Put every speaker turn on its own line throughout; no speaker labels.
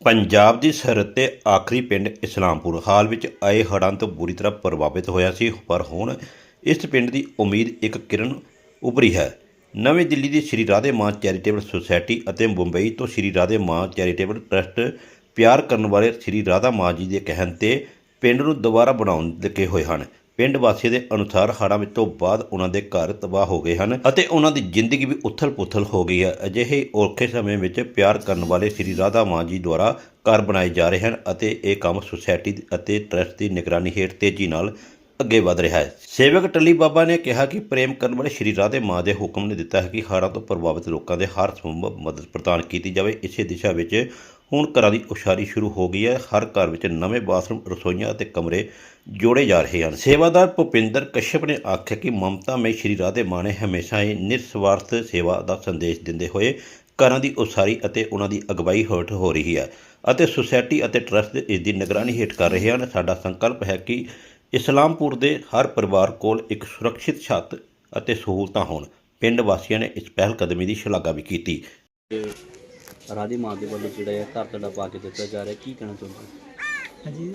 ਪੰਜਾਬ ਦੀ ਸਰਹੱਦ 'ਤੇ ਆਖਰੀ ਪਿੰਡ ਇਸਲਾਮਪੁਰ ਹਾਲ ਵਿੱਚ ਆਏ ਹੜ੍ਹਾਂ ਤੋਂ ਬੁਰੀ ਤਰ੍ਹਾਂ ਪ੍ਰਭਾਵਿਤ ਹੋਇਆ ਸੀ, ਪਰ ਹੁਣ ਇਸ ਪਿੰਡ ਦੀ ਉਮੀਦ ਇੱਕ ਕਿਰਨ ਉੱਭਰੀ ਹੈ। ਨਵੀਂ ਦਿੱਲੀ ਦੀ ਸ਼੍ਰੀ ਰਾਧੇ ਮਾਂ ਚੈਰੀਟੇਬਲ ਸੁਸਾਇਟੀ ਅਤੇ ਮੁੰਬਈ ਤੋਂ ਸ਼੍ਰੀ ਰਾਧੇ ਮਾਂ ਚੈਰੀਟੇਬਲ ਟਰੱਸਟ ਪਿਆਰ ਕਰਨ ਵਾਲੇ ਸ਼੍ਰੀ ਰਾਧਾ ਮਾਂ ਜੀ ਦੇ ਕਹਿਣ 'ਤੇ ਪਿੰਡ ਨੂੰ ਦੁਬਾਰਾ ਬਣਾਉਣ ਲੱਗੇ ਹੋਏ ਹਨ। ਪਿੰਡ ਵਾਸੀਆਂ ਦੇ ਅਨੁਸਾਰ ਹੜ੍ਹਾਂ ਵਿੱਚ ਤੋਂ ਬਾਅਦ ਉਹਨਾਂ ਦੇ ਘਰ ਤਬਾਹ ਹੋ ਗਏ ਹਨ ਅਤੇ ਉਹਨਾਂ ਦੀ ਜ਼ਿੰਦਗੀ ਵੀ ਉਥਲ-ਪੁਥਲ ਹੋ ਗਈ ਹੈ। ਅਜਿਹੇ ਔਖੇ ਸਮੇਂ ਵਿੱਚ ਪਿਆਰ ਕਰਨ ਵਾਲੇ ਸ਼੍ਰੀ ਰਾਧਾ ਮਾਂ ਜੀ ਦੁਆਰਾ ਘਰ ਬਣਾਏ ਜਾ ਰਹੇ ਹਨ ਅਤੇ ਇਹ ਕੰਮ ਸੁਸਾਇਟੀ ਅਤੇ ਟਰੱਸਟ ਦੀ ਨਿਗਰਾਨੀ ਹੇਠ ਤੇਜ਼ੀ ਨਾਲ ਅੱਗੇ ਵਧ ਰਿਹਾ ਹੈ। ਸੇਵਕ ਟੱਲੀ ਬਾਬਾ ਨੇ ਕਿਹਾ ਕਿ ਪ੍ਰੇਮ ਕਰਨ ਵਾਲੇ ਸ਼੍ਰੀ ਰਾਧੇ ਮਾਂ ਦੇ ਹੁਕਮ ਨੇ ਦਿੱਤਾ ਹੈ ਕਿ ਹੜ੍ਹਾਂ ਤੋਂ ਪ੍ਰਭਾਵਿਤ ਲੋਕਾਂ ਦੇ ਹਰ ਸੰਭਵ ਮਦਦ ਪ੍ਰਦਾਨ ਕੀਤੀ ਜਾਵੇ। ਇਸੇ ਦਿਸ਼ਾ ਵਿੱਚ ਹੁਣ ਘਰਾਂ ਦੀ ਉਸਾਰੀ ਸ਼ੁਰੂ ਹੋ ਗਈ ਹੈ। ਹਰ ਘਰ ਵਿੱਚ ਨਵੇਂ ਬਾਥਰੂਮ, ਰਸੋਈਆਂ ਅਤੇ ਕਮਰੇ ਜੋੜੇ ਜਾ ਰਹੇ ਹਨ। ਸੇਵਾਦਾਰ ਭੁਪਿੰਦਰ ਕਸ਼ਯਪ ਨੇ ਆਖਿਆ ਕਿ ਮਮਤਾ ਮਈ ਸ਼੍ਰੀ ਰਾਧੇ ਮਾਂ ਨੇ ਹਮੇਸ਼ਾ ਹੀ ਨਿਰਸਵਾਰਥ ਸੇਵਾ ਦਾ ਸੰਦੇਸ਼ ਦਿੰਦੇ ਹੋਏ ਘਰਾਂ ਦੀ ਉਸਾਰੀ ਅਤੇ ਉਹਨਾਂ ਦੀ ਅਗਵਾਈ ਹੇਠ ਹੋ ਰਹੀ ਹੈ ਅਤੇ ਸੁਸਾਇਟੀ ਅਤੇ ਟਰੱਸਟ ਇਸ ਦੀ ਨਿਗਰਾਨੀ ਹੇਠ ਕਰ ਰਹੇ ਹਨ। ਸਾਡਾ ਸੰਕਲਪ ਹੈ ਕਿ ਇਸਲਾਮਪੁਰ ਦੇ ਹਰ ਪਰਿਵਾਰ ਕੋਲ ਇੱਕ ਸੁਰੱਖਿਅਤ ਛੱਤ ਅਤੇ ਸਹੂਲਤਾਂ ਹੋਣ। ਪਿੰਡ ਵਾਸੀਆਂ ਨੇ ਇਸ ਪਹਿਲ ਕਦਮੀ ਦੀ ਸ਼ਲਾਘਾ ਵੀ ਕੀਤੀ।
ਰਾਧੇ ਮਾਂ ਦੇ ਵੱਲੋਂ ਜਿਹੜਾ ਹੈ ਘਰ ਤੁਹਾਡਾ ਪਾ ਕੇ ਦਿੱਤਾ ਜਾ ਰਿਹਾ, ਕੀ ਕਹਿਣਾ ਚਾਹੁੰਦੇ?
ਹਾਂਜੀ,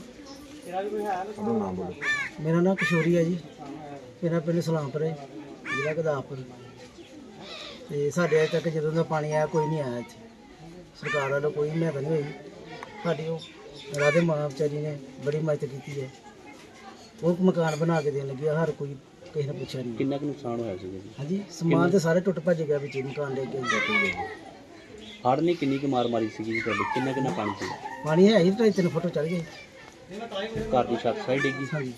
ਮੇਰਾ ਨਾਮ ਕਿਸ਼ੋਰੀ ਹੈ ਜੀ। ਮੇਰਾ ਪਿੰਡ ਇਸਲਾਮਪੁਰ ਹੈ, ਜ਼ਿਲ੍ਹਾ ਗੁਰਦਾਸਪੁਰ। ਤੇ ਸਾਡੇ ਅਜੇ ਤੱਕ ਜਦੋਂ ਦਾ ਪਾਣੀ ਆਇਆ ਕੋਈ ਨਹੀਂ ਆਇਆ ਇੱਥੇ। ਸਰਕਾਰ ਵੱਲੋਂ ਕੋਈ ਮਦਦ ਨਹੀਂ ਹੋਈ। ਸਾਡੀ ਉਹ ਰਾਧੇ ਮਾਂ ਵਿਚਾਰੀ ਨੇ ਬੜੀ ਮਦਦ ਕੀਤੀ ਹੈ। ਉਹ ਮਕਾਨ ਬਣਾ ਕੇ ਦੇਣ ਲੱਗੀ, ਹਰ ਕੋਈ ਕਿਸੇ ਨੇ ਪੁੱਛਿਆ ਨਹੀਂ।
ਕਿੰਨਾ ਕੁ ਨੁਕਸਾਨ ਹੋਇਆ ਸੀਗਾ ਜੀ?
ਹਾਂਜੀ, ਸਮਾਨ ਤੇ ਸਾਰੇ ਟੁੱਟ ਭੱਜ ਗਿਆ ਵਿੱਚ ਮਕਾਨ ਲੈ ਕੇ।
ਹੜ੍ਹ ਨੇ ਕਿੰਨੀ ਕੁ ਮਾਰ ਮਾਰੀ ਸੀਗੀ ਜੀ ਤੁਹਾਡੇ? ਕਿੰਨਾ ਪਾਣੀ ਸੀ?
ਪਾਣੀ ਹੈ ਹੀ 2.5 ਫੁੱਟ ਚੜ੍ਹ ਗਏ।
ਘਰ ਦੀ ਛੱਤ ਸਾਰੀ ਡਿੱਗੀ?
ਹਾਂਜੀ।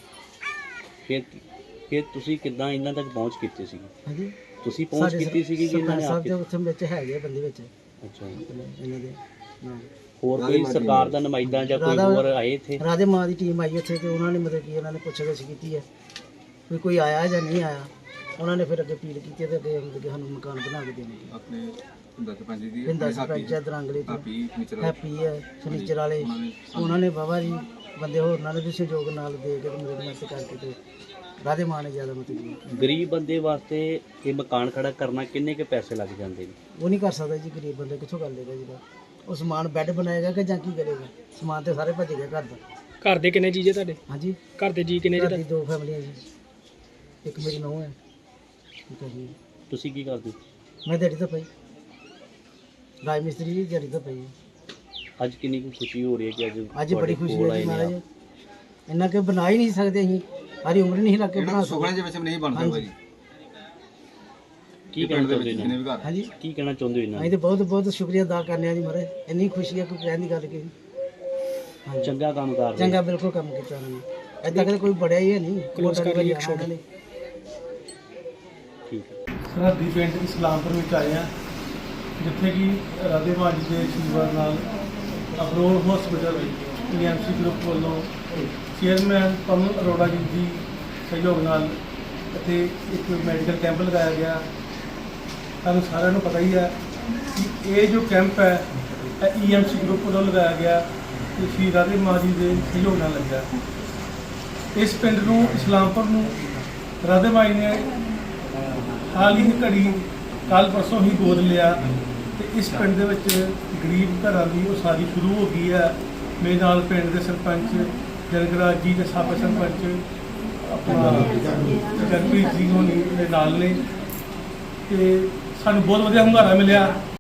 ਫਿਰ ਤੁਸੀਂ ਕਿੱਦਾਂ ਇਹਨਾਂ ਤੱਕ ਪਹੁੰਚ ਕੀਤੀ ਸੀਗੀ?
ਹਾਂਜੀ,
ਤੁਸੀਂ ਪਹੁੰਚ ਕੀਤੀ ਸੀਗੀ ਕਿ ਇਹਨਾਂ ਨੇ
ਸਭ
ਆ
ਦੇ
ਕੇ?
ਉੱਥੇ ਵਿੱਚ ਹੈਗੇ ਬੰਦੇ ਵਿੱਚ
ਅੱਛਾ ਜੀ।
ਇਹਨਾਂ ਦੇ ਨਾਲ।
ਹੋਰ ਕੋਈ ਸਰਕਾਰ ਦਾ ਨੁਮਾਇੰਦਾ ਜਾਂ ਕੋਈ ਹੋਰ ਆਏ ਇੱਥੇ?
ਰਾਧੇ ਮਾਂ ਦੀ ਟੀਮ ਆਈ ਉੱਥੇ ਤੇ ਉਹਨਾਂ ਨੇ ਮਤਲਬ ਕਿ ਉਹਨਾਂ ਨੇ ਪੁੱਛ-ਗਿੱਛ ਕੀਤੀ ਹੈ ਵੀ ਕੋਈ ਆਇਆ ਜਾਂ ਨਹੀਂ ਆਇਆ। ਉਹਨਾਂ ਨੇ ਫਿਰ ਅੱਗੇ ਅਪੀਲ ਕੀਤੀ ਤੇ ਅੱਗੇ ਮਤਲਬ ਸਾਨੂੰ ਮਕਾਨ ਬਣਾ ਕੇ ਦੇਣਗੇ।
ਆਪਣੇ
ਪਿੰਡਾ ਸਰਪੰਚ ਹੈ ਦਰਾਂਗਲੇ ਤੋਂ, ਹੈਪੀ ਹੈ ਫਰਨੀਚਰ ਵਾਲੇ, ਉਹਨਾਂ ਨੇ ਬਾਬਾ ਜੀ ਬੰਦੇ ਹੋਰ ਨਾਲ ਵੀ ਸਹਿਯੋਗ ਨਾਲ ਦੇ ਕੇ ਮਦਦ ਕਰਕੇ ਤੇ ਰਾਧੇ ਮਾਂ ਨੇ ਜ਼ਿਆਦਾ ਮਤਲਬ
ਗਰੀਬ ਬੰਦੇ ਵਾਸਤੇ ਇਹ ਮਕਾਨ ਖੜਾ ਕਰਨਾ ਕਿੰਨੇ ਕੁ ਪੈਸੇ ਲੱਗ ਜਾਂਦੇ ਨੇ?
ਉਹ ਨਹੀਂ ਕਰ ਸਕਦਾ ਜੀ। ਗਰੀਬ ਬੰਦੇ ਕਿੱਥੋਂ ਕਰ ਲੇਗਾ ਜੀ? ਉਹ ਸਮਾਨ ਬੈੱਡ ਬਣਾਏਗਾ ਕਿ ਜਾਂ ਕੀ ਕਰੇਗਾ? ਸਮਾਨ ਤੇ ਸਾਰੇ ਭੱਜ ਗਿਆ ਘਰ ਦਾ।
ਘਰ ਦੇ ਕਿੰਨੇ ਜੀਜੇ ਤੁਹਾਡੇ?
ਹਾਂਜੀ,
ਘਰ ਦੇ ਜੀ ਕਿੰਨੇ
ਘਰ
ਜੀ?
ਦੀ 2 ਫੈਮਲੀਆਂ ਜੀ, ਇੱਕ ਮੇਰੀ ਨੂੰਹ ਹੈ। ਠੀਕ ਹੈ ਜੀ।
ਤੁਸੀਂ ਕੀ ਕਰਦੇ?
ਮੈਂ ਦਿਹਾੜੀ ਤਾਂ ਪਈ ਰਾਜ ਮਿਸਤਰੀ ਜੀ, ਦਿਹਾੜੀ ਤਾਂ ਪਈ।
ਅੱਜ ਕਿੰਨੀ ਕੁ ਖੁਸ਼ੀ ਹੋ ਰਹੀ ਹੈ ਕਿ
ਅੱਜ ਬੜੀ ਖੁਸ਼ੀ
ਕੋਲ
ਹੈ
ਆਏ
ਜੀ
ਨੇ
ਮਹਾਰਾਜ।
ਆਪ?
ਇੰਨਾ ਕਿ ਬਣਾ ਹੀ ਨਹੀਂ ਸਕਦੇ ਅਸੀਂ, ਸਾਰੀ ਉਮਰ ਨਹੀਂ ਲੱਗ ਕੇ ਬਣਾ
ਸੁਖਣੇ
ਸਕਦੇ।
ਦੇ ਵਿੱਚ ਨਹੀਂ ਬਣ ਸਕਦਾ ਜੀ।
ਕੀ ਕਹਿਣਾ ਚਾਹੁੰਦੇ
ਜਿੰਨੇ
ਨੇ?
ਵੀ ਘਰ
ਹਾਂਜੀ,
ਕੀ ਕਹਿਣਾ ਚਾਹੁੰਦੇ ਹੋ ਇਹਨਾਂ
ਅਸੀਂ
ਨੂੰ?
ਤਾਂ ਬਹੁਤ ਬਹੁਤ ਸ਼ੁਕਰੀਆ ਅਦਾ ਕਰਨੇ ਆ ਜੀ ਮਹਾਰਾਜ। ਇੰਨੀ ਖੁਸ਼ੀ ਹੈ ਕੋਈ ਕਹਿਣ ਦੀ ਗੱਲ ਕੀ। ਹਾਂਜੀ,
ਚੰਗਾ ਕੰਮ ਕਰ ਰਹੇ
ਚੰਗਾ ਬਿਲਕੁਲ ਕੰਮ ਕੀਤਾ ਉਹਨਾਂ ਨੇ। ਏਦਾਂ ਕਦੇ ਕੋਈ ਬੜਿਆ ਹੀ ਹੈ ਨਹੀਂ।
Close ਕਰ ਲਈ ਇੱਕ shot।
ਠੀਕ ਹੈ।
ਸਰਹੱਦੀ ਪਿੰਡ ਇਸਲਾਮਪੁਰ ਵਿੱਚ ਆਏ ਹਾਂ, ਜਿੱਥੇ ਕਿ ਰਾਧੇ ਮਾਂ ਜੀ ਦੇ ਆਸ਼ੀਰਵਾਦ ਨਾਲ ਅਬਰੋਲ ਹਸਪੀਟਲ EMC ਗਰੁੱਪ ਵੱਲੋਂ ਚੇਅਰਮੈਨ ਪਵਨ ਅਰੋੜਾ ਜੀ ਦੀ ਸਹਿਯੋਗ ਨਾਲ ਇੱਥੇ ਇੱਕ ਮੈਡੀਕਲ ਕੈਂਪ ਲਗਾਇਆ ਗਿਆ। ਤੁਹਾਨੂੰ ਸਾਰਿਆਂ ਨੂੰ ਪਤਾ ਹੀ ਹੈ ਕਿ ਇਹ ਜੋ ਕੈਂਪ ਹੈ ਇਹ EMC ਗਰੁੱਪ ਵੱਲੋਂ ਲਗਾਇਆ ਗਿਆ ਤੇ ਸ਼੍ਰੀ ਰਾਧੇ ਮਾਂ ਜੀ ਦੇ ਸਹਿਯੋਗ ਨਾਲ ਲੱਗਿਆ। ਇਸ ਪਿੰਡ ਨੂੰ, ਇਸਲਾਮਪੁਰ ਨੂੰ ਰਾਧੇ ਮਾਂ ਜੀ ਨੇ ਹਾਲ ਹੀ ਘੜੀ ਕੱਲ੍ਹ ਪਰਸੋਂ ਹੀ ਗੋਦ ਲਿਆ ਤੇ ਇਸ ਪਿੰਡ ਦੇ ਵਿੱਚ ਗਰੀਬ ਘਰਾਂ ਦੀ ਉਸਾਰੀ ਸ਼ੁਰੂ ਹੋ ਗਈ ਹੈ। ਮੇਰੇ ਨਾਲ ਪਿੰਡ ਦੇ ਸਰਪੰਚ ਜਨਗਰਾਜ ਜੀ ਤੇ ਸਾਬਕਾ ਸਰਪੰਚ ਆਪਣਾ ਜਗਪ੍ਰੀਤ ਸਿੰਘ ਹੋਣੀ ਦੇ ਨਾਲ ਨੇ ਤੇ ਸਾਨੂੰ ਬਹੁਤ ਵਧੀਆ ਹੁੰਗਾਰਾ ਮਿਲਿਆ।